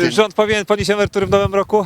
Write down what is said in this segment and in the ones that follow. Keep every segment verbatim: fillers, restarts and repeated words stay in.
Czy rząd powinien podnieść emerytury w nowym roku?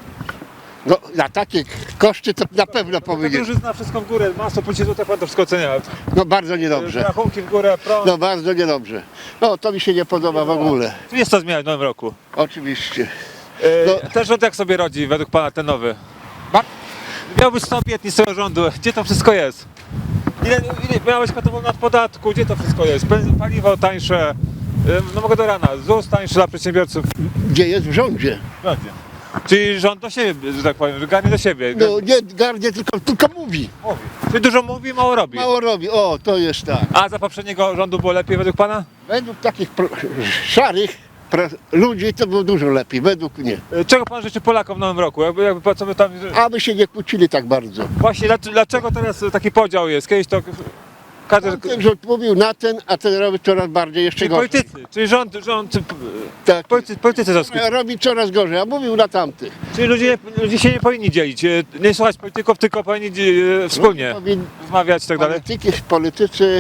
No, na takie koszty to na pewno powinien. Drożyzna, wszystko w górę, masło, pójdzie złote, pan to wszystko ocenia. No bardzo niedobrze. Rachunki w górę, prąd. No bardzo niedobrze. No to mi się nie podoba w ogóle. Tu jest co zmieniać w nowym roku. Oczywiście. E, No. Ten rząd jak sobie rodzi według pana, ten nowy? Ba- Miał być sto obietnic tego rządu, gdzie to wszystko jest? Ile, ile miałeś katową nad podatku, gdzie to wszystko jest? Benz- Paliwo tańsze, e, no mogę do rana, ZUS tańszy dla przedsiębiorców. Gdzie jest w rządzie? Będzie. Czyli rząd do siebie, że tak powiem, że garnie do siebie. No nie garnie, tylko, tylko mówi. Mówi. Czyli dużo mówi, mało robi. Mało robi. O, to jest tak. A za poprzedniego rządu było lepiej według pana? Według takich pro, szarych pro, ludzi to było dużo lepiej. Według mnie. E, Czego pan życzy Polakom w nowym roku? Jakby, jakby co by tam... Aby się nie kłócili tak bardzo. Właśnie, dlaczego, dlaczego teraz taki podział jest? Kiedyś to każdy... Ten rząd mówił na ten, a ten robi coraz bardziej jeszcze Czyli gorzej. politycy, czyli rząd, rząd Tak. politycy, politycy to skup... Robi coraz gorzej, a mówił na tamtych. Czyli ludzie, nie- ludzie się nie powinni dzielić, e, nie słuchać polityków, tylko powinni e, wspólnie Powin- rozmawiać i tak dalej. Polityki, politycy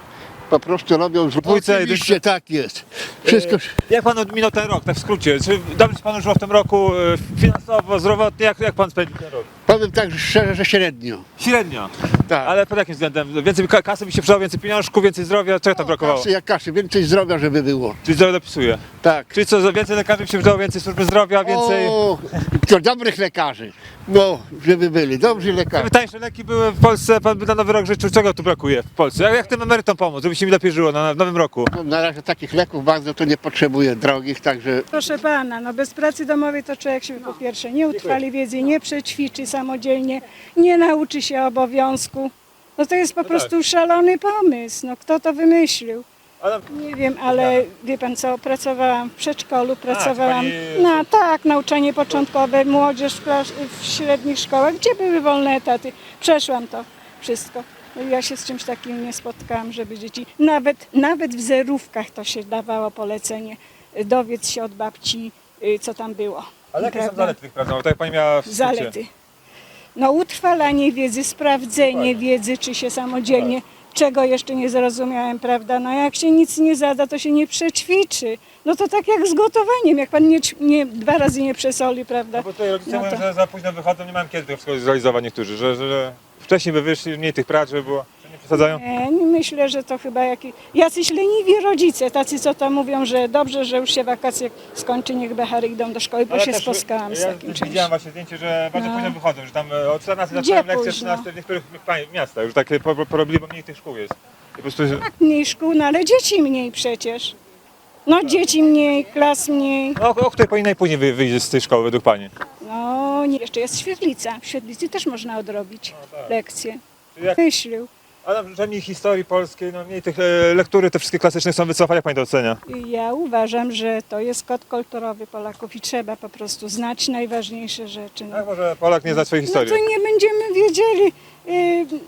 po prostu robią zło. Dwójce, Oczywiście tak jest. Wszystko. Jak pan minął ten rok, tak w skrócie? Czy dobrze się panu żyło w tym roku e, finansowo, zdrowotnie? Jak, jak pan spędził ten rok? Powiem tak szczerze, że średnio. Średnio. Tak. Ale pod jakim względem? Więcej ka- kasy by się przydało, więcej pieniążków, więcej zdrowia? Czego tam brakowało? Kasy jak kasy, więcej zdrowia, żeby było. Czyli zdrowie dopisuje. Tak. Czyli co, więcej lekarzy by się przydało, więcej służby zdrowia, więcej... O, to dobrych lekarzy. No, żeby byli, dobrzy lekarze. Żeby tańsze leki były w Polsce, pan by na nowy rok życzył, czego tu brakuje w Polsce? Jak, jak tym emerytom pomóc, żeby się mi lepiej żyło na, w nowym roku? No, na razie takich leków bardzo to nie potrzebuję drogich, także Proszę pana, no bez pracy domowej to człowiek się po pierwsze nie utrwali wiedzy, nie przećwiczy samodzielnie, nie nauczy się obowiązku. No to jest po prostu szalony pomysł. No kto to wymyślił? Ale Nie wiem, ale wie pan co, pracowałam w przedszkolu, pracowałam pani- na tak, nauczanie początkowe, młodzież w, klas- w średnich szkołach, gdzie były wolne etaty. Przeszłam to wszystko. No i ja się z czymś takim nie spotkałam, żeby dzieci, nawet, nawet w zerówkach to się dawało polecenie, dowiedz się od babci, y, co tam było. Ale jakie są Prawda? zalety tych prac? Tak jak pani miała w skrócie. Zalety. No utrwalanie wiedzy, sprawdzenie wiedzy, czy się samodzielnie, czego jeszcze nie zrozumiałem, prawda? No jak się nic nie zada, to się nie przećwiczy. No to tak jak z gotowaniem, jak pan nie, ć- nie dwa razy nie przesoli, prawda? No bo tutaj rodzice No mówią, to- że za późno wychodzą, nie mają kiedy tego wszystkiego zrealizować niektórzy, że, że, że wcześniej by wyszli, mniej tych prac, żeby było, że nie przesadzają. Nie, nie myślę, że to chyba jakiś, jacyś leniwi rodzice, tacy co tam mówią, że dobrze, że już się wakacje skończy, niech behary idą do szkoły, bo Ale się też, spotkałam z ja takim widziałem czymś. właśnie zdjęcie, że bardzo No. późno wychodzą, że tam e, o czternastej Gdzie zaczynają lekcje, późno? trzynastej w niektórych pa- miastach, już takie po- po- porobili, bo mniej tych szkół jest. I po prostu, Mniej szkół, no ale dzieci mniej przecież. No dzieci mniej, klas mniej. no, o, o której powinien najpóźniej wy, wyjść z tej szkoły według pani? No, nie. Jeszcze jest świetlica. W świetlicy też można odrobić lekcje. Czyli jak, Myślił. ale że mniej historii polskiej, no mniej tych e, lektury, te wszystkie klasyczne są wycofane, jak pani to ocenia? Ja uważam, że to jest kod kulturowy Polaków i trzeba po prostu znać najważniejsze rzeczy. No, Jak może Polak nie zna swojej no historii? to nie będziemy wiedzieli. y,